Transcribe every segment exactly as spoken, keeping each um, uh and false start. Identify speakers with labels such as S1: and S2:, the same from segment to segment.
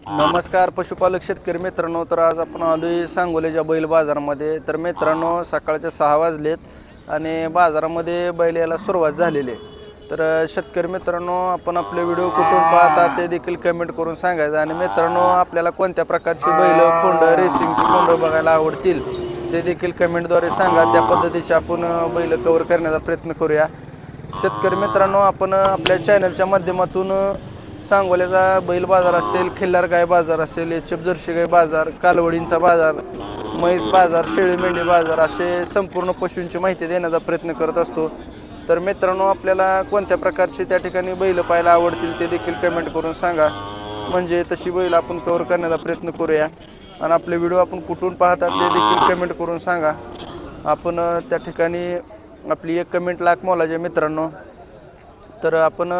S1: नमस्कार पशुपालक शेतकरी मित्रांनो. तर आज आपण आलोय सांगोल्याच्या बैल बाजारामध्ये. तर मित्रांनो सकाळचे सहा वाजलेत आणि बाजारामध्ये बैल यायला सुरुवात झालेली आहे. तर शेतकरी मित्रांनो, आपण आपले व्हिडिओ कुठून पाहता ते देखील कमेंट करून सांगायचं. आणि मित्रांनो, आपल्याला कोणत्या प्रकारची बैल खोंड रेसिंगची खोंड बघायला आवडतील ते देखील कमेंटद्वारे सांगा. त्या पद्धतीचे आपण बैल कव्हर करण्याचा प्रयत्न करूया. शेतकरी मित्रांनो, आपण आपल्या चॅनलच्या माध्यमातून सांगोल्याचा बैल बाजार असेल, खिल्लार गाय बाजार असेल, एच एफ जर्सी गाय बाजार, कालवडींचा बाजार, म्हैस बाजार, शेळी मेंढी बाजार असे संपूर्ण पशूंची माहिती देण्याचा प्रयत्न करत असतो. तर मित्रांनो, आपल्याला कोणत्या प्रकारची त्या ठिकाणी बैल पाहायला आवडतील ते देखील कमेंट करून सांगा. म्हणजे तशी बैल आपण कव्हर करण्याचा प्रयत्न करूया. आणि आपले व्हिडिओ आपण कुठून पाहतात ते देखील कमेंट करून सांगा. आपण त्या ठिकाणी आपली एक कमेंट लाख मोलाचे मित्रांनो. तर आपण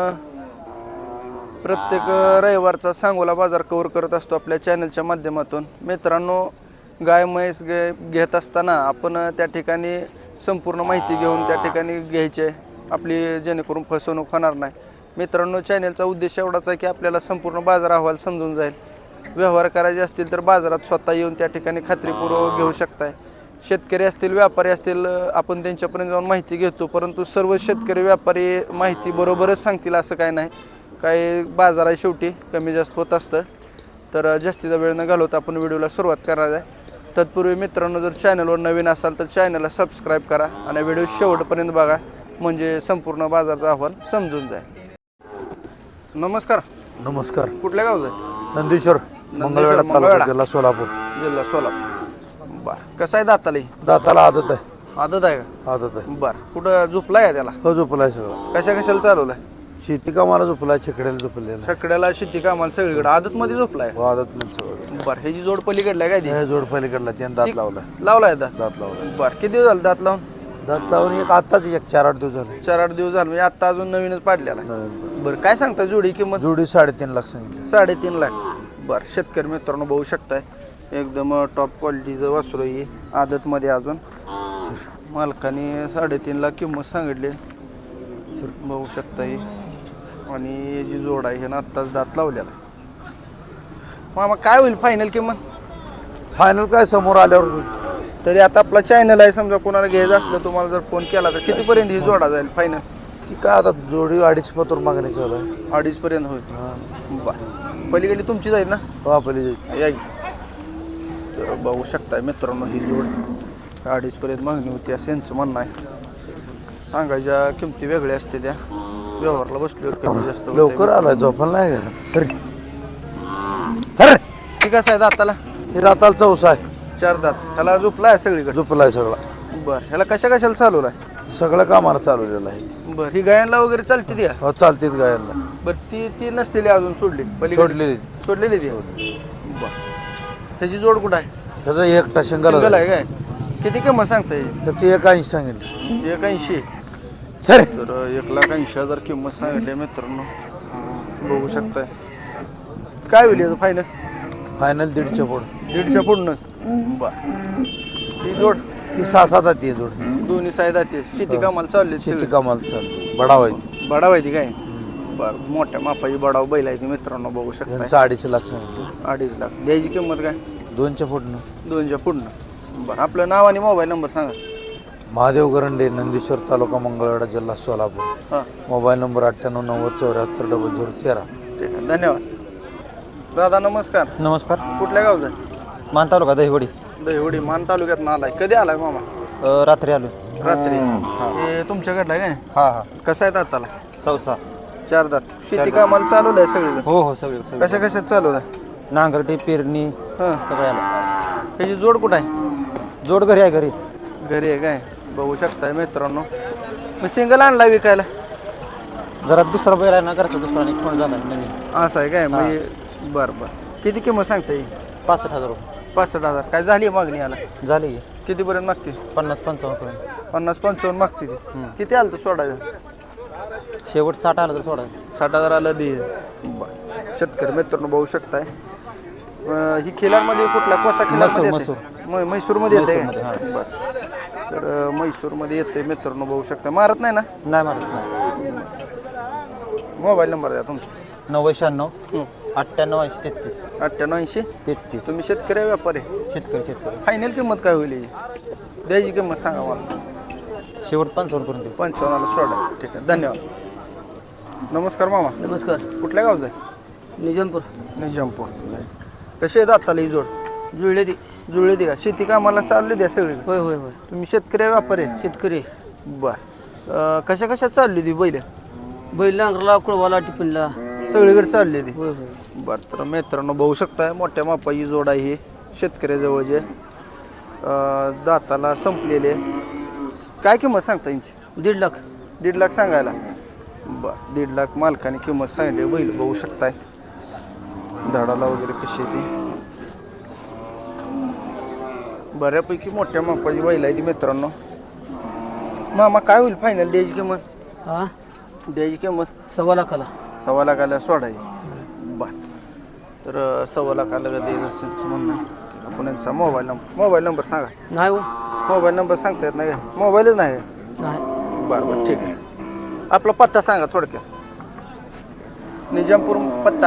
S1: प्रत्येक रविवारचा सांगोला बाजार कव्हर करत असतो आपल्या चॅनलच्या माध्यमातून. मित्रांनो, गाय म्हैस गे घेत असताना आपण त्या ठिकाणी संपूर्ण माहिती घेऊन त्या ठिकाणी घ्यायचे आपली, जेणेकरून फसवणूक होणार नाही. मित्रांनो, चॅनलचा उद्देश एवढाच आहे की आपल्याला संपूर्ण बाजार अहवाल समजून जाईल. व्यवहार करायचे असतील तर बाजारात स्वतः येऊन त्या ठिकाणी खात्रीपूर्वक घेऊ शकताय. शेतकरी असतील, व्यापारी असतील, आपण त्यांच्यापर्यंत जाऊन माहिती घेतो. परंतु सर्व शेतकरी व्यापारी माहिती बरोबरच सांगतील असं काय नाही. काही बाजार आहे, शेवटी कमी जास्त होत असतं. तर जास्तीचा वेळ न घालवता आपण व्हिडिओला सुरुवात करणार आहे. तत्पूर्वी मित्रांनो, जर चॅनलवर नवीन असाल तर चॅनलला सबस्क्राईब करा आणि व्हिडिओ शेवटपर्यंत बघा, म्हणजे संपूर्ण बाजाराचा अहवाल समजून जाईल. नमस्कार.
S2: नमस्कार.
S1: कुठल्या गावचं आहे?
S2: नंदीश्वर, मंगळवेढा तालुका, जिल्हा सोलापूर.
S1: जिल्हा सोलापूर. बरं, कसं आहे दाताला?
S2: दाताला आदत आहे.
S1: आदत आहे का?
S2: आदत आहे.
S1: बरं, कुठं झोपलाय का त्याला?
S2: हो, झोपलाय सगळं.
S1: कशा कशाला चालवलाय?
S2: शेती कामाला झोपलाय, छकड्याला झोपलेला.
S1: छकड्याला, शेती कामाला सगळीकडे आदत मध्ये झोपलाय.
S2: हो, आदत मध्ये सगळं.
S1: बरं, ह्याची जोड पलीकडला काय ती?
S2: हे जोड पलीकडला त्यानं दात लावलाय.
S1: लावलाय दात?
S2: दात लावलाय.
S1: बरं, किती दिवस झाले दात लावून?
S2: दात लावून एक आताच एक चार आठ दिवस झाले.
S1: चार आठ दिवस झाले, म्हणजे आता अजून नवीनच पाडलेला.
S2: नवीन.
S1: बरं, काय सांगता जोडी किंमत?
S2: जोडी साडेतीन लाख सांगितली.
S1: साडेतीन लाख. बरं, शेतकरी मित्रांनो बघू शकताय, एकदम टॉप क्वालिटीचं वासरू आहे. आदतमध्ये अजून मालकाने साडेतीन लाख किंमत सांगितली. बघू शकता ही. आणि जी जोड आहे ह्यानं आत्ताच दात लावलेला. मामा, काय होईल फायनल किंमत?
S2: फायनल काय समोर आल्यावर.
S1: तरी आता आपला चॅनल आहे, समजा कोणाला घ्यायचं असलं तुम्हाला जर फोन केला तर कितीपर्यंत ही जोडा जाईल फायनल?
S2: ती काय आता जोडी अडीच पतोर मागणी चालू आहे.
S1: अडीच पर्यंत होईल. बरं, पलीकडे तुमची जाईल ना?
S2: हो, पहिली
S1: या. तर बघू शकताय मित्रांनो, ही जोड अडीच पर्यंत मागणी होती असं यांचं म्हणणं आहे. सांगायच्या किमती वेगळ्या असते, त्या व्यवहारला बसल्यावर कमी जास्त होतंय.
S2: लवकर आलाय, झोपायला नाही गेला. सर सर
S1: ठीक आहे साहेब. दाताला
S2: हे दाताला चौसा आहे.
S1: चार दात. ह्याला झोपलाय सगळीकडे?
S2: झोपलाय सगळा.
S1: बरं, ह्याला कशा कशाला चालवलाय?
S2: सगळं कामाला चालवलेलं आहे.
S1: बरं, ही गायांना वगैरे चालते ती?
S2: हो, चालतीत गायांना.
S1: बरं, ती ती नसलेली अजून सोडली? पलीकडे
S2: सोडलेली.
S1: सोडलेली ती. बरं, ह्याची जोड कुठं आहे?
S2: त्याचा एकटा शिंगल
S1: सिंगल आहे काय? किती किंमत सांगता येईल?
S2: त्याची एक ऐंशी सांगितली.
S1: एक ऐंशी.
S2: सर
S1: तर एक लाख ऐंशी हजार किंमत सांगितली मित्रांनो, बघू शकताय. काय होईल याचं फायनल?
S2: फायनल दीडच्या पुढं.
S1: दीडच्या पुढनंच. बरं, ती जोड
S2: ही सहा सात आहे जोड.
S1: दोन्ही साईड आहे. शेती कामाला चालली?
S2: शेती कामाला चालू. बडाव आहे.
S1: बडाव आहे ती काय? बरं, मोठ्या मापाची बडाव बैल आहे ती मित्रांनो, बघू शकता.
S2: त्यांचं अडीच लाख सांगितलं.
S1: अडीच लाख. द्यायची किंमत काय?
S2: दोनच्या पुढनं.
S1: दोनच्या पुढनं. बरं, आपलं नाव आणि मोबाईल नंबर सांगा.
S2: महादेव गरंडे, नंदीश्वर तालुका, मंगळवेढा, जिल्हा सोलापूर.
S1: हां,
S2: मोबाईल नंबर अठ्ठ्याण्णव नव्वद चौऱ्याहत्तर डबल झिरो तेरा.
S1: ठीक आहे, धन्यवाद. दादा नमस्कार.
S3: नमस्कार.
S1: कुठल्या गावचा आहे?
S3: मान तालुका दहिवडी.
S1: दहिवडी मान तालुक्यात आलाय. कधी आलाय मामा?
S3: अ, रात्री आलो.
S1: रात्री. हे तुमच्याकडलं आहे काय?
S3: हा हा.
S1: कसं आहे दाताला?
S3: चौसा.
S1: चार दात. शेती कामाला चालवलंय सगळीकडे?
S3: हो हो, सगळे सगळे.
S1: कशा कशात चालवलंय?
S3: नांगरटी, पेरणी
S1: हां,
S3: सगळं आलं.
S1: ह्याची जोड कुठं आहे?
S3: जोड घरी आहे घरी.
S1: घरी आहे काय? बघू शकताय मित्रांनो. मी सिंगल आणला विकायला?
S3: जरा दुसरा बैल आहे ना, घरचा दुसरा आणि फोन झाला नवीन.
S1: असं आहे काय? म्हणजे बरं बरं. किती किंमत सांगता येईल?
S3: पासष्ट हजार रुपये
S1: पासष्ट हजार. काय झाली मागणी आला?
S3: झाली.
S1: कितीपर्यंत मागते?
S3: पन्नास पंचावन्न पर्यंत.
S1: पन्नास पंचावन्न मागते ती. किती आलं तर सोडायचं?
S3: शेवट साठ आलं तर सोडा.
S1: साठ हजार आलं दे. बरं, शेतकरी मित्रांनो बघू शकताय. अं, ही खिलारमध्ये कुठला कोसा खिलारमध्ये
S3: म्हैसूर,
S1: येते? म्हैसूरमध्ये येते
S3: म्हैसूरमध्ये,
S1: काय? बरं, तर अं, म्हैसूरमध्ये येते मित्रांनो, बघू शकता. मारत नाही ना?
S3: नाही मारत नाही.
S1: मोबाईल नंबर द्या तुमचा.
S3: नव्वद शहाण्णव अठ्ठ्याण्णव ऐंशी तेहतीस
S1: अठ्ठ्याण्णव ऐंशी
S3: तेहतीस
S1: तुम्ही शेतकरी आहे, व्यापारी आहे?
S3: शेतकरी शेतकरी
S1: फायनल किंमत काय होईल ही? द्यायची किंमत सांगा मला.
S3: शेवट पंचावन्न करून देऊ.
S1: पंचावन्नला सोडा. ठीक आहे, धन्यवाद. नमस्कार मामा.
S4: नमस्कार.
S1: कुठल्या गावचं आहे?
S4: निजामपूर.
S1: निजामपूर. कशी आहे दाताला ही जोड?
S4: जुळले ती.
S1: जुळली ती का? शेती कामाला चालली द्या सगळी?
S4: होय होय होय.
S1: तुम्ही शेतकरी आहे, व्यापारी आहे?
S4: शेतकरी.
S1: बर. कशा कशा चालली ती बैल?
S4: बैल नांगरला कुळवाला टिफिनला
S1: सगळीकडे चालली ती.
S4: होय होय.
S1: बरं, तर मित्रांनो बघू शकताय मोठ्या मापाची जोड आहे ही शेतकऱ्याजवळ जे अं, दाताला संपलेले. काय किंमत सांगता यांची?
S4: दीड लाख.
S1: दीड लाख सांगायला. बरं, दीड लाख मालकाने किंमत सांगितली. बैल बघू शकताय धडाला वगैरे कशी आहे ती. बऱ्यापैकी मोठ्या मापाची बैल आहे ती मित्रांनो. मामा काय होईल फायनल द्यायची किंमत?
S4: हा
S1: द्यायची किंमत
S4: सव्वा लाखाला.
S1: सव्वा लाखाला सोडायची. बर, तर अं, सव्वा लाखाला द्यायचं असेल म्हणणं आहे. आपण यांचा मोबाईल नंबर मोबाईल नंबर सांगा.
S4: नाही हो.
S1: मोबाईल नंबर सांगता येत नाही का? मोबाईलच नाही.
S4: नाही.
S1: बरं बरं, ठीक आहे. आपला पत्ता सांगा थोडक्यात. निजामपूर पत्ता.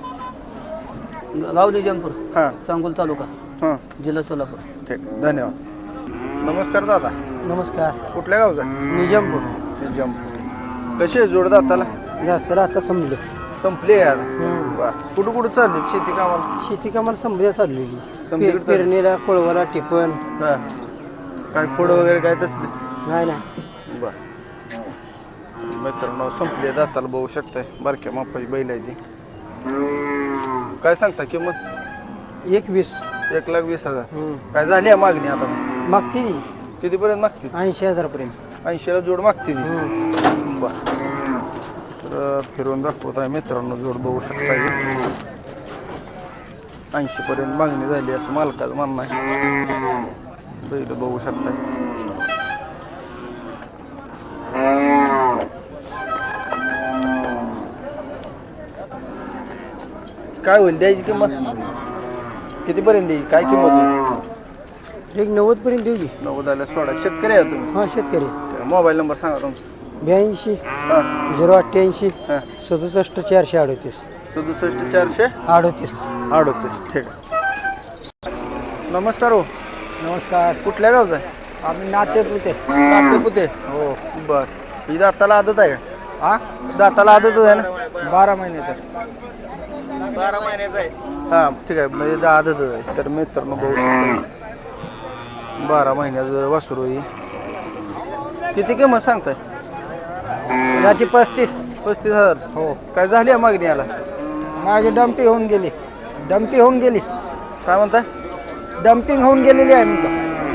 S4: गाव निजामपूर.
S1: हां
S4: सांगोल तालुका
S1: हां,
S4: जिल्हा सोलापूर.
S1: ठीक आहे, धन्यवाद. नमस्कार दादा.
S4: नमस्कार.
S1: कुठल्या गावचा?
S4: निजामपूर.
S1: निजामपूर. कशी आहे जोड दाताला?
S4: जास्त आता संपले.
S1: संपली आहे आता. बरं, कुठं कुठं चालली शेती कामाला?
S4: शेती कामाला संपल्या चाललेली.
S1: समजा इकडं
S4: पेरणीला कुळवाला टिपण.
S1: हां, काय फोड वगैरे काय तसले?
S4: नाही नाही.
S1: बर, मित्रांनो संपली दाताला बघू शकताय. बारक्या मापाची बैल आहे ती. काय सांगता किंमत?
S4: एक वीस.
S1: एक लाख वीस हजार. काय झाली आहे मागणी आता?
S4: मागते ती
S1: कितीपर्यंत मागते?
S4: ऐंशी हजारापर्यंत.
S1: ऐंशीला जोड मागते ती. बर, तर फिरून दाखवत आहे मित्रांनो जोड बघू शकता. ऐंशी पर्यंत मागणी झाली असं मालकाचं म्हणणं आहे. बैल बघू शकताय. काय होईल द्यायची किंमत? कितीपर्यंत द्यायची? काय किंमत होईल?
S4: एक नव्वद पर्यंत देऊ की.
S1: नव्वदाला सोळा. शेतकरी आहे तुम्ही?
S4: हा शेतकरी.
S1: मोबाईल नंबर सांगा तुमचा.
S4: ब्याऐंशी
S1: हां
S4: झिरो अठ्ठ्याऐंशी
S1: हां,
S4: सदुसष्ट चारशे अडतीस.
S1: सदुसष्ट चारशे
S4: अडतीस.
S1: अडतीस. ठीक आहे. नमस्कार हो.
S4: नमस्कार.
S1: कुठल्या गावचा आहे?
S4: आम्ही नातेपुते.
S1: नातेपुते. हो. बर, ही दाताला आदत आहे का?
S4: हा
S1: दाताला आदतच आहे ना?
S4: बारा महिन्याचा.
S1: बारा महिन्याचा आहे. हां, ठीक आहे, म्हणजे दा- आदतच आहे. तर मित्रांनो बघू शकता बारा महिन्याचं वासरू ही. किती किंमत सांगताय?
S4: याची पस्तीस.
S1: पस्तीस हजार.
S4: हो.
S1: काय झाली आहे मागणी याला?
S4: माझी डम्पी होऊन गेली. डम्पी होऊन गेली.
S1: काय म्हणताय?
S4: डम्पिंग होऊन गेलेली आहे म्हणतो.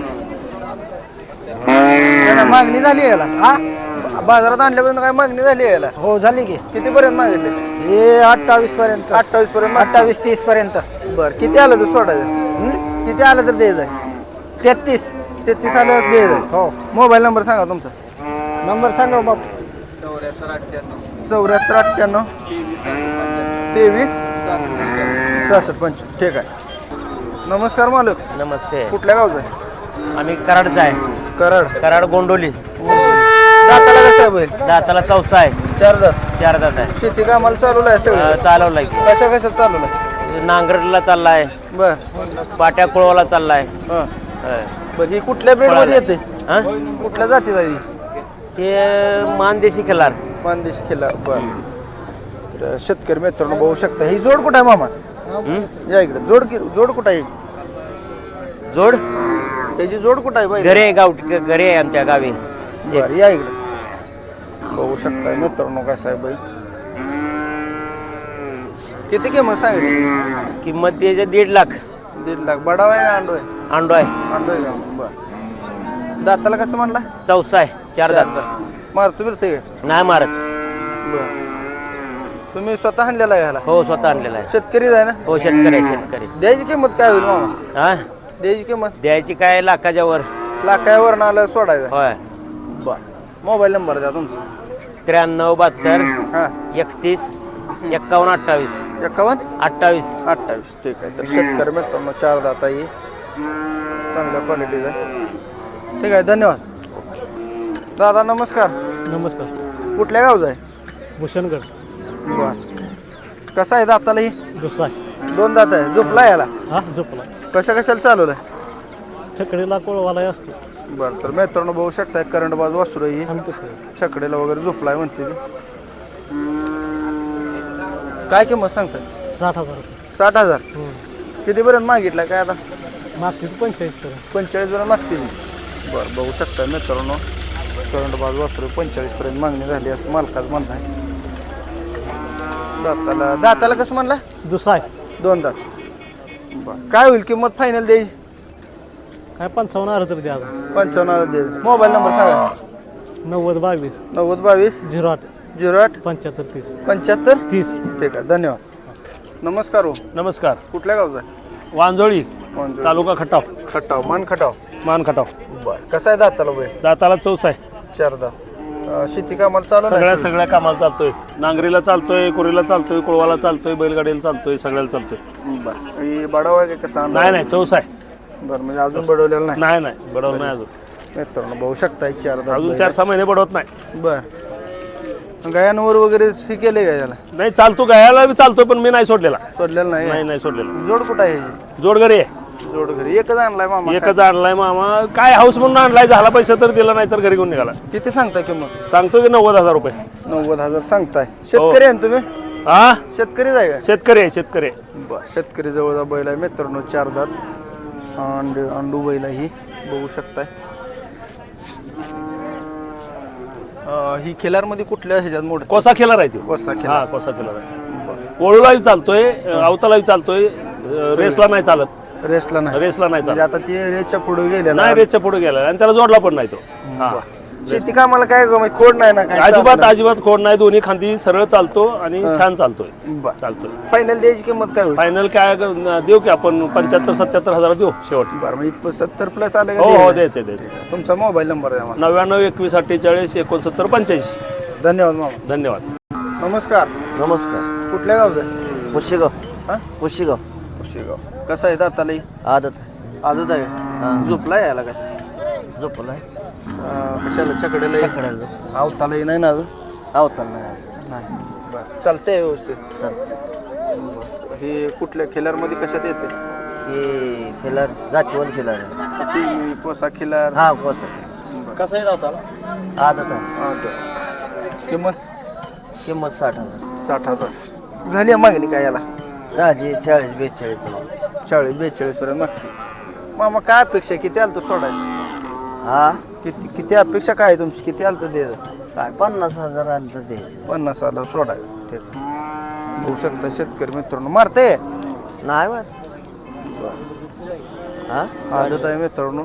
S1: याला मागणी झाली आहे याला?
S4: हा
S1: बाजारात आणल्यापासून काय मागणी झाली आहे याला?
S4: हो झाली की.
S1: कितीपर्यंत मागितले?
S4: हे अठ्ठावीस पर्यंत.
S1: अठ्ठावीस पर्यंत.
S4: अठ्ठावीस तीस पर्यंत.
S1: बरं, किती आलं तर सोडायचं? किती आलं तर द्यायचं आहे?
S4: तेहतीस.
S1: तेहतीस आलं तर द्यायचं आहे.
S4: हो.
S1: मोबाईल नंबर सांगा तुमचा.
S4: नंबर सांगा बापू.
S1: चौऱ्याहत्तर अठ्ठ्याण्णव तेवीस सहासष्ट पंचवीस. ठीक आहे. नमस्कार मालक.
S3: नमस्ते.
S1: कुठल्या गावचं आहे?
S3: आम्ही कराडचा आहे.
S1: कराड.
S3: कराड गोंडोली.
S1: दाताला कसं आहे बैल?
S3: दाताला चौसा आहे.
S1: चार दात.
S3: चार दात आहे.
S1: शेती कामाला चालवलं आहे सगळं?
S3: चालवलाय की.
S1: कशा कशा चालवलं आहे?
S3: नांगरला चाललाय.
S1: बर.
S3: पाट्या कुळवाला चाललाय.
S1: हां, बरं. ही कुठल्या ब्रेडमध्ये येते?
S3: हा
S1: कुठल्या जातीत आहे ही?
S3: हे मानदेशी खिलार.
S1: मानदेश खिल्ला. बरं, तर शेतकरी मित्रांनो बघू शकता. ही जोड कुठं आहे मामा? या इकडे. जोड की जोड कुठं आहे?
S3: जोड
S1: त्याची जोड कुठं आहे बाई?
S3: घरे आहे गावठी घरे आहे आमच्या गावी.
S1: बरं, या इकडे. बघू शकता मित्रांनो कसं आहे बाई. किती किंमत सांगितली?
S3: किंमत त्याच्या दीड लाख.
S1: दीड लाख. बडाव आहे का अंडो आहे?
S3: अंडो आहे.
S1: अंडो आहे का? बरं. दाताला कसं म्हणला?
S3: चौसा आहे. चार दात.
S1: मारतो बिरते?
S3: नाही मारत.
S1: बरं. तुम्ही स्वतः आणलेला आहे ह्याला?
S3: हो स्वतः आणलेला आहे.
S1: शेतकरीच आहे ना?
S3: हो शेतकरी आहे शेतकरी.
S1: द्यायची किंमत काय होईल मामा?
S3: हा
S1: द्यायची किंमत?
S3: द्यायची काय लाखाच्या वर.
S1: लाखावर आलं सोडायचं?
S3: होय.
S1: बरं. मोबाईल नंबर द्या तुमचा.
S3: त्र्याण्णव बहात्तर
S1: हां,
S3: एकतीस एक्कावन्न अठ्ठावीस
S1: एकावन्न
S3: अठ्ठावीस.
S1: अठ्ठावीस. ठीक आहे. तर शेतकरी मित्रांनो चार दाता ही चांगल्या क्वालिटीचा आहे. ठीक आहे, धन्यवाद. दादा नमस्कार.
S4: नमस्कार.
S1: कुठल्या गावचा आहे?
S4: भूषणगड.
S1: बरं. कसा आहे दाताला ही
S3: दुसरा
S1: दोन दात आहे झोपला याला
S3: हा झोपला
S1: कशा कशाला चालवलाय
S3: छकडीला कोळवाला असतो
S1: बरं तर मित्रांनो बघू शकताय करंट बाजू वासरू ही छकडेला वगैरे झोपलाय म्हणते ती काय किंमत सांगताय
S3: साठ हजार रुपये
S1: साठ हजार कितीपर्यंत मागितलाय काय आता
S3: मागतील पंचेचाळीस पर्यंत
S1: पंचेचाळीस पर्यंत मागते ती बरं बघू शकताय मित्रांनो करंट बाजू वासरू पंचेचाळीस पर्यंत मागणी झाली असं मालकाच म्हणत आहे दाताला दाताला कसं म्हणला
S3: दुसरा आहे
S1: दोन दात बरं काय होईल किंमत फायनल द्यायची
S3: काय पंचावन्न हजार तरी द्या
S1: पंचावन्न दे मोबाईल नंबर सांगा
S3: नव्वद बावीस
S1: नव्वद बावीस
S3: झिरो आठ
S1: झिरो आठ
S3: पंच्याहत्तर तीस
S1: पंच्याहत्तर
S3: तीस
S1: ठीक आहे धन्यवाद नमस्कार हो
S5: नमस्कार
S1: कुठल्या गावचा आहे
S5: वांजोळी
S1: कोणतं?
S5: तालुका खटाव
S1: खटाव मान खटाव
S5: मान खटाव
S1: बरं कसं आहे दाताला बैल
S5: दाताला चौस आहे
S1: चार दात अं, शेती कामाला चालू
S5: सगळ्या
S1: नाही
S5: सगळ्या कामाला चालतोय नांगरीला चालतोय कोरीला चालतोय कोळवाला चालतोय बैलगाडीला चालतोय सगळ्याला चालतोय
S1: बरं ही बडाव आहे का कसा
S5: नाही नाही चौस आहे
S1: बरं म्हणजे अजून बडवलेलं नाही
S5: नाही नाही बडवत नाही अजून
S1: मित्रांनो बघू शकता एक चार दात
S5: अजून
S1: बैल
S5: चार सहा महिने बडवत नाही
S1: आहे. बरं गायांवर वगैरे हे केले का याला
S5: नाही चालतो गायाला बी चालतोय पण मी नाही सोडलेला
S1: सोडलेलं नाही
S5: नाही नाही सोडलेला
S1: जोड कुठं आहे ह्याची?
S5: जोड घरी आहे
S1: जोड घरी एकच आणलाय मामा
S5: एकच आणलाय मामा काय हाऊस म्हणून आणलाय झाला पैसा तर दिला नाही तर घरी घेऊन निघाला
S1: किती सांगताय किंमत
S5: सांगतोय की नव्वद हजार रुपये
S1: नव्वद हजार सांगताय शेतकरी आहे ना तुम्ही
S5: हा
S1: शेतकरीच आहे का
S5: शेतकरी आहे शेतकरी आहे.
S1: बरं शेतकरी जवळचा बैल आहे मित्रांनो चार दात अंडू अंडू बैल आहे ही बघू शकताय अं, ही खिलारमध्ये कुठल्या ह्याच्यात मोठ
S5: कोसा खेळणार आहे तो
S1: कोसा
S5: हा
S1: खिलार
S5: कोसा खेळणार आहे ओळूलाही चालतोय अवतालाही चालतोय रेसला नाही चालत
S1: रेसला नाही
S5: रेसला नाही
S1: म्हणजे
S5: चालत
S1: आता ते रेसच्या पुढे गेलेला
S5: नाही रेसच्या पुढे गेला आणि त्याला जोडला पण नाही तो हा
S1: शेती कामाला काय ग- म्हणजे खोड नाही ना काय
S5: अजिबात अजिबात खोड नाही दोन्ही खांदी सरळ चालतो आणि छान चालतोय चालतोय
S1: फायनल द्यायची किंमत काय होईल
S5: फायनल काय ग- देऊ की आपण पंच्याहत्तर सत्याहत्तर हजार देऊ शेवट
S1: बरं म्हणजे सत्तर प्लस आले
S5: हो हो
S1: का
S5: द्यायचे द्यायचे
S1: तुमचा मोबाईल नंबर आहे आम्हाला
S5: नव्याण्णव एकवीस अठ्ठेचाळीस एकोणसत्तर पंच्याऐंशी
S1: धन्यवाद मामा
S5: धन्यवाद
S1: नमस्कार
S6: नमस्कार
S1: कुठल्या गावचं आहे
S6: पुशेगाव
S1: हा
S6: पुशेगाव
S1: कुशेगाव कसं आहे दाताला ही?
S6: आदत
S1: आदत आहे झोपला याला कशा
S6: झोपलाय
S1: अं, कशाला छकडेला
S6: छकड्याला झोप
S1: आवतालाही नाही ना अजून
S6: आवताल नाही नाही
S1: बरं चालतंय व्यवस्थित
S6: चालतं
S1: हे कुठल्या खिलारमध्ये कशात येते
S6: हे खिलार जातीवर खिलार आहे.
S1: ती कोसा खिलार
S6: हा कोसा
S1: कसा आहे दाताला
S6: आदत आहे
S1: हा, तर. किंमत
S6: किंमत साठ हजार
S1: साठ हजार झाली आहे मागणी काय याला
S6: झाली चाळीस बेचाळीस हजार.
S1: चाळीस बेचाळीस पर्यंत मागते मामा काय अपेक्षा किती आलं तर सोडायचं
S6: हा
S1: किती किती अपेक्षा काय आहे तुमची किती आलं तर द्यायचं
S6: काय पन्नास हजार अंतर द्यायचं
S1: पन्नास आलं सोडायचं ठीक होऊ शकता शेतकरी मित्रांनो मारते
S6: नाही मार हा
S1: आदत आहे मित्रांनो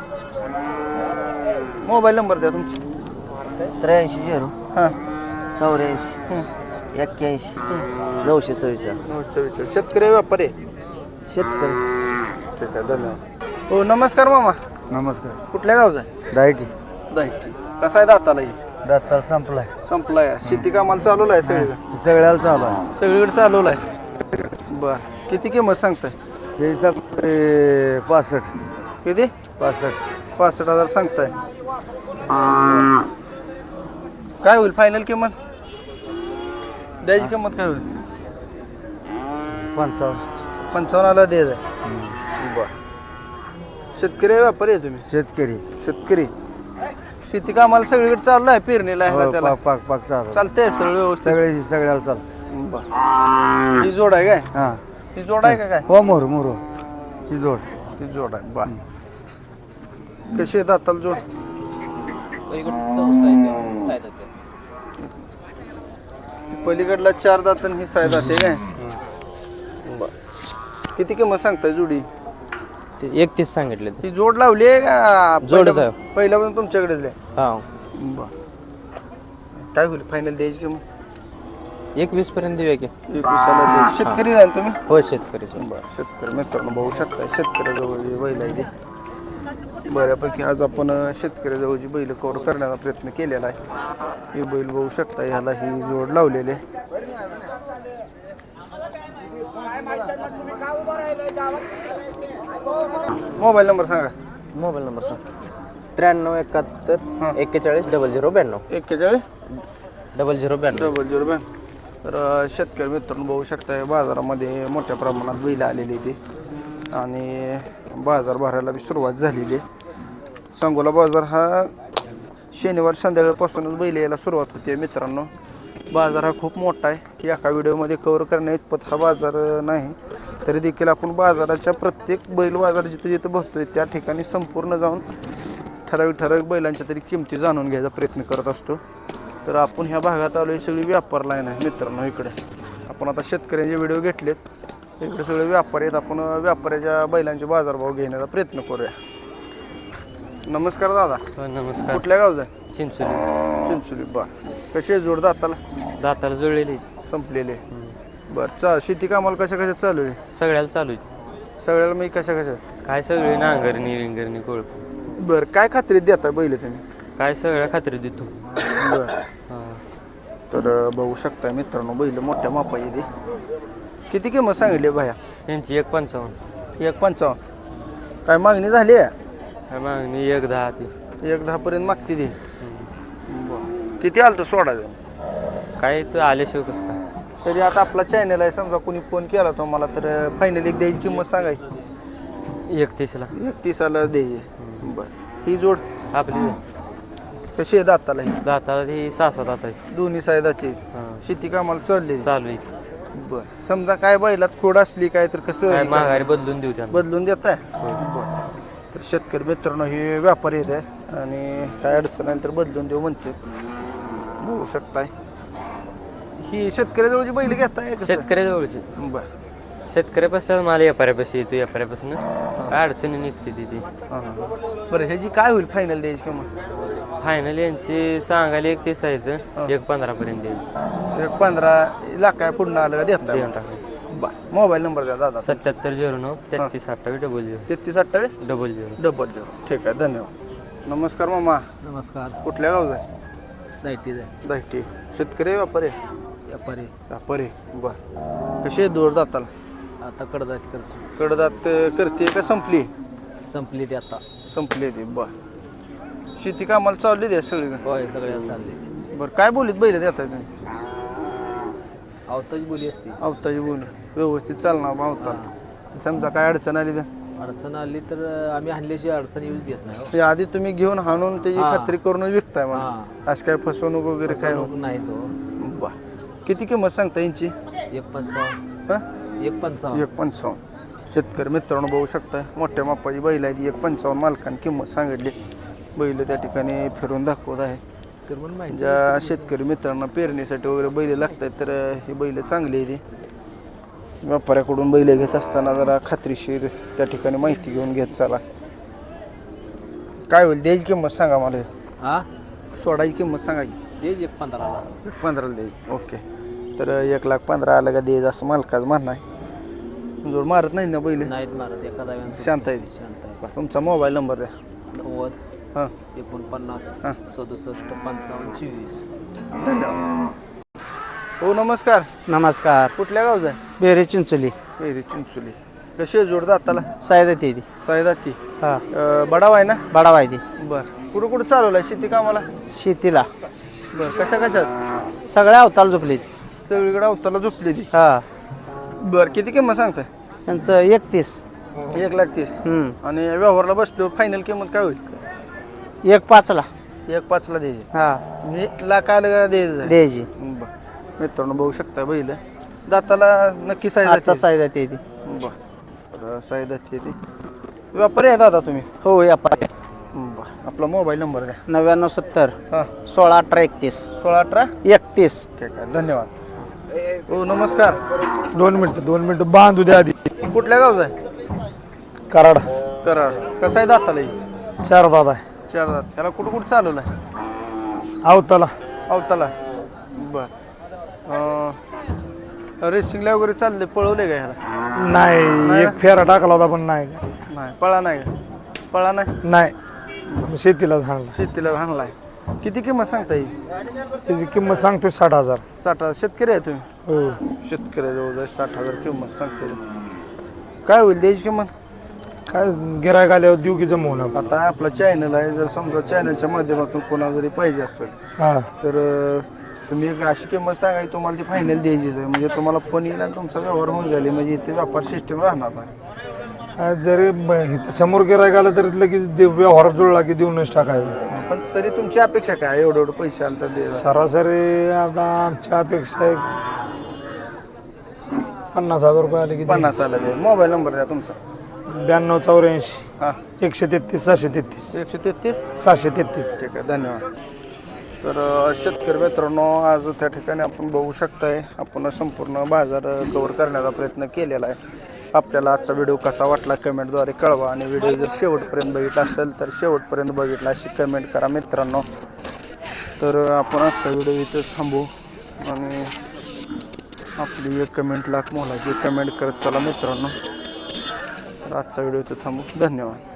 S1: मोबाईल नंबर द्या तुमचा
S6: त्र्याऐंशी झिरो
S1: हां
S6: चौऱ्याऐंशी एक्क्याऐंशी नऊशे चव्वेचाळीस
S1: चव्वेचाळीस शेतकरी व्यापारी आहे.
S6: शेतकरी
S1: ठीक आहे धन्यवाद हो नमस्कार मामा
S2: नमस्कार
S1: कुठल्या गावचा आहे
S2: डायटी
S1: दाहिटी कसा आहे दाताला ही
S2: दातार संपलाय
S1: संपलाय शेती कामाला चालवलं आहे सगळीकडे
S2: सगळ्याला चालू आहे
S1: सगळीकडे चालवलं आहे बर किती किंमत सांगताय
S2: हे सगळे पासष्ट
S1: किती
S2: पासष्ट
S1: पासष्ट हजार सांगताय काय होईल फायनल किंमत द्यायची किंमत काय होईल
S2: पंचावन्न
S1: पंचावन्नला द्यायचं बर शेतकरी आहे, व्यापारी आहे तुम्ही
S2: शेतकरी
S1: शेतकरी शेती कामाला सगळीकडे चालू आहे पेरणीला ह्याला
S2: हो,
S1: त्याला
S2: पाक पाक पाक चालू
S1: चालतंय सगळं व्यवस्थित
S2: सगळे सगळ्याला चालतं
S1: बर ही जोड आहे काय
S2: हां
S1: ही जोड आहे का काय
S2: हो मोर मोर ही जोड
S1: ती जोड आहे बर कशी आहे दाताला जोड पलीकडला चार दात आणि ही साय दाते काय बर किती किंमत सांगताय जोडी
S7: ते एकतीस सांगितले ते
S1: ही जोड लावली आहे का
S7: जोडच
S1: पहिल्या-
S7: आहे.
S1: पहिल्यापासून तुमच्याकडेच आहे
S7: हा
S1: बर काय होईल फायनल द्यायची किंमत
S7: एकवीस पर्यंत देऊया की
S1: एकविसाला द्यायची शेतकरी जाईल तुम्ही
S7: हो शेतकरी
S1: बरं शेतकरी मित्रांनो बघू शकता शेतकऱ्याजवळ बैल आहे ती बऱ्यापैकी आज आपण अं, शेतकऱ्याजवळची बैल कव्हर करण्याचा प्रयत्न केलेला आहे ही बैल बघू शकता ह्याला ही जोड लावलेली आहे मोबाईल नंबर सांगा
S7: मोबाईल नंबर सांग त्र्याण्णव एकाहत्तर एक्केचाळीस डबल झिरो ब्याण्णव
S1: एक्केचाळीस
S7: डबल झिरो ब्याण्णव
S1: डबल झिरो बॅन तर अ, शेतकरी मित्रांनो बघू शकताय बाजारामध्ये मोठ्या प्रमाणात बैल आलेली ती आणि बाजार भरायला बी सुरुवात झालेली आहे. सांगोला बाजार हा शनिवार संध्याकाळपासूनच बैल यायला सुरुवात होते मित्रांनो. बाजार हा खूप मोठा आहे की एका व्हिडिओमध्ये कव्हर करण्या इतपत हा बाजार अ, नाही. तरी देखील आपण बाजाराच्या प्रत्येक बैल बाजार जिथे जिथे बसतोय त्या ठिकाणी संपूर्ण जाऊन ठराविक ठराविक बैलांच्या तरी किमती जाणून घ्यायचा प्रयत्न करत असतो. तर आपण ह्या भागात आलो ही सगळी व्यापार लाईन आहे मित्रांनो. इकडे आपण आता शेतकऱ्यांचे व्हिडिओ घेतलेत, इकडे सगळे व्यापारी आहेत. आपण व्यापाऱ्याच्या बैलांचे बाजारभाव घेण्याचा प्रयत्न करूया. नमस्कार दादा,
S7: हो, नमस्कार.
S1: कुठल्या गावचा आहे?
S7: चिंचोली.
S1: चिंचोली. बा कशी आहे जोड दाताला?
S7: दाताला जुळलेली
S1: संपलेले. बरं चा शेती कामाला कशा कशा चालू आहे?
S7: सगळ्याला चालू आहे.
S1: सगळ्याला मी कशा कशा?
S7: काय सगळे नांगरणी विंगरणी कोळ.
S1: बरं काय खात्रीत देता बैल तुम्ही?
S7: काय सगळ्या खात्री देतो.
S1: बरं.
S7: हां.
S1: तर बघू शकता मित्रांनो बैल मोठ्या मापा येते. किती किंमत सांगितली भाया?
S7: यांची एक पंचावन्न.
S1: एक पंचावन्न. काय मागणी झाली आहे?
S7: काय मागणी एक दहा ती.
S1: एक दहा पर्यंत मागते ती. बरं. किती आलं तर सोडायचं?
S7: काय तर आल्याशिवाय कसं काय.
S1: तरी आता आपला चॅनल आहे, समजा कोणी फोन केला तो मला तर फायनल एक द्यायची किंमत सांगायची.
S7: एकतीसला
S1: एकतीसाला द्यायची. बरं. ही जोड
S7: आपली
S1: कशी आहे दाताला? ही
S7: दाताला ती सहा सात दात आहे.
S1: दोन्ही साईड दाती.
S7: हां.
S1: शेती कामाला चालली.
S7: चालू आहे.
S1: बरं. समजा काय बैलात खोड असली काय तर कसं
S7: काय माघारी बदलून देऊ त्यांना.
S1: बदलून देत आहे? बरं. तर शेतकरी मित्रांनो हे व्यापारी येत आहे आणि काय अडचण आहे तर बदलून देऊ म्हणते. बघू शकताय ही शेतकऱ्याजवळची बैल घेताय कसं?
S7: शेतकऱ्याजवळची.
S1: बरं.
S7: शेतकऱ्यापासून मला व्यापाऱ्यापाशी येतो. व्यापाऱ्यापासून काय अडचणी निघते ती ती.
S1: हां हां. बरं ह्याची काय होईल फायनल द्यायची किंमत?
S7: फायनल यांची सांगायला एक तीस आहेत, एक पंधरा पर्यंत द्यायची.
S1: एक पंधरा लाख काय पुढं आलं का देता?
S7: देऊन टाका.
S1: बरं. मोबाईल नंबर द्या दादा.
S7: सत्याहत्तर झिरो नऊ तेहतीस अठ्ठावीस डबल झिरो
S1: तेहतीस अठ्ठावीस
S7: डबल झिरो.
S1: Double zero. ठीक आहे, धन्यवाद. नमस्कार मामा,
S4: नमस्कार.
S1: कुठल्या गावचा आहे?
S4: लाईटीच आहे.
S1: दायटी. शेतकरी व्यापारी?
S4: व्यापारी.
S1: व्यापारी. बरं. कशी आहे दोर दाताला?
S4: आता कडदात करतो.
S1: कडदात करते का संपली?
S4: संपली ती आता.
S1: संपली ती. बरं. शेती कामाला चालली द्या सगळी?
S4: होय, सगळ्याला चालली.
S1: बरं. काय बोलीत बैल देताय तुम्ही?
S4: आवताची बोली असते.
S1: अवताची बोल व्यवस्थित चालणार अवता. समजा काय अडचण आली तर?
S4: अडचण आली तर आम्ही आणल्याशी अडचण येऊच देत नाही. हो.
S1: ते आधी तुम्ही घेऊन हाणून त्याची
S4: हां.
S1: खात्री करून विकताय मग?
S4: हां.
S1: असं काय फसवणूक वगैरे काय?
S4: फसवणूक नाहीच. हो.
S1: बा किती किंमत सांगता यांची?
S4: एक पंचावन्न.
S1: हां?
S4: एक पंचावन्न.
S1: एक पंचावन्न. शेतकरी मित्रांनो बघू शकताय मोठ्या मापाची बैल आहे ती. एक पंचावन्न मालकाने किंमत सांगितली. बैल त्या ठिकाणी फिरून दाखवत आहे.
S4: तर म्हणून माहिती.
S1: ज्या शेतकरी मित्रांना पेरणीसाठी वगैरे बैल लागतात तर ही बैल चांगली आहे ती. व्यापाऱ्याकडून बैल घेत असताना जरा खात्रीशीर त्या ठिकाणी माहिती घेऊन घेत चला. काय होईल द्यायची किंमत सांगा मला?
S4: हा,
S1: सोडायची किंमत सांगायची?
S4: देज एक पंधराला.
S1: एक पंधराला द्यायची. ओके. तर एक लाख पंधरा आलं का द्यायचं असं मालकाचं म्हणणं आहे. जोड मारत नाही ना बैल?
S4: नाहीत मारत. एका दाव्यानं
S1: शांत आहे ती.
S4: शांत आहे.
S1: तुमचा मोबाईल नंबर द्या.
S4: नव्वद
S1: हां.
S4: एकोणपन्नास
S1: हां.
S4: सदुसष्ट पंचावन्न चोवीस.
S1: धन्यवाद. हो नमस्कार.
S3: नमस्कार.
S1: कुठल्या गावचा आहे?
S3: बेरे चिंचोली.
S1: पेरी चिंचोली. कशी आहे जोड दाताला?
S3: सायदा ती
S1: सायदाती.
S3: हा.
S1: बडाव आहे ना?
S3: बडावाय ती.
S1: बरं. कुठं कुठं चालवलं आहे शेती कामाला?
S3: शेतीला
S1: बरं. कशा कशात?
S3: सगळ्या अवताल झोपली.
S1: सगळीकडे अवताला झोपली ती.
S3: हा.
S1: बरं. किती किंमत सांगताय?
S3: त्यांचं एकतीस.
S1: एक लाख तीस.
S3: हम्म.
S1: आणि व्यवहारला बसलो फायनल किंमत काय होईल?
S3: एक पाचला.
S1: एक पाचला द्यायची.
S3: हा.
S1: म्हणजे लाख आलं का द्यायचं?
S3: द्यायची.
S1: बरं. मित्रांनो बघू शकता बैल दाताला नक्की साईज
S3: आता सायदा ती.
S1: बरं. साईज ती व्यापारी आहे दादा तुम्ही?
S3: हो, व्यापारी.
S1: बरं. आपला मोबाईल नंबर द्या.
S3: नव्याण्णव सत्तर
S1: हां.
S3: सोळा अठरा एकतीस.
S1: सोळा अठरा
S3: एकतीस.
S1: ठीक आहे, धन्यवाद. हो नमस्कार.
S2: दोन मिनिटं दोन मिनिटं बांधू द्या आधी.
S1: कुठल्या गावचा आहे?
S2: कराड.
S1: कराड. कसं आहे दाताला?
S2: चार दादा आहे.
S1: चार दात. त्याला कुठं कुठं चालवलं आहे?
S2: आवताला.
S1: अवताला. बरं. रेसिंगला वगैरे चालले पळवले का ह्याला?
S2: नाही, एक फेरा टाकला होता पण नाही.
S1: नाही. पळा नाही का? पळा नाही.
S2: नाही, शेतीला झाडला.
S1: शेतीला हाणलाय. किती किंमत सांगता येईल?
S2: त्याची किंमत सांगतोय साठ हजार.
S1: साठ हजार. शेतकरी आहे तुम्ही?
S2: हो.
S1: शेतकऱ्याजवळ साठ हजार किंमत सांगते. काय होईल द्यायची किंमत?
S2: काय गिरायक आल्यावर देऊ की जमवून.
S1: आता आपला चॅनल आहे, जर समजा चॅनलच्या माध्यमातून कोणाला जरी पाहिजे असेल
S2: हा.
S1: तर तुम्ही एक अशी किंमत सांगा की तुम्हाला ती फायनल द्यायचीच आहे, म्हणजे तुम्हाला फोन येईल आणि तुमचा व्यवहार होऊन जाईल, म्हणजे इथे व्यापार सिस्टम राहणार नाही.
S8: जरी ब- इथं समोर गिरायक आलं तरी लगेच दे- व्यवहार जुळला की देऊनच टाकायचं.
S1: पण तरी तुमची अपेक्षा काय एवढं एवढं पैसे आलं तर दे.
S8: सरासरी आता आमच्या अपेक्षा एक पन्नास हजार रुपये आले की
S1: पन्नास आलं दे. मोबाईल नंबर द्या तुमचा.
S8: ब्याण्णव चौऱ्याऐंशी
S1: हां
S8: एकशे तेहतीस सहाशे तेहतीस
S1: एकशे तेहतीस.
S8: सहाशे तेहतीस.
S1: ठीक आहे, धन्यवाद. तर अ, शेतकरी मित्रांनो, आज त्या ठिकाणी आपण बघू शकताय, आपण संपूर्ण बाजार कव्हर करण्याचा प्रयत्न केलेला आहे. आपल्याला आजचा व्हिडिओ कसा वाटला कमेंटद्वारे कळवा, आणि व्हिडिओ जर शेवटपर्यंत बघितला असेल तर शेवटपर्यंत बघितला अशी कमेंट करा मित्रांनो. तर आपण आजचा व्हिडिओ इथंच थांबू, आणि आपली एक कमेंट लाख मोलाची कमेंट करत चला मित्रांनो. तर आजचा व्हिडिओ इथं थांबू. धन्यवाद.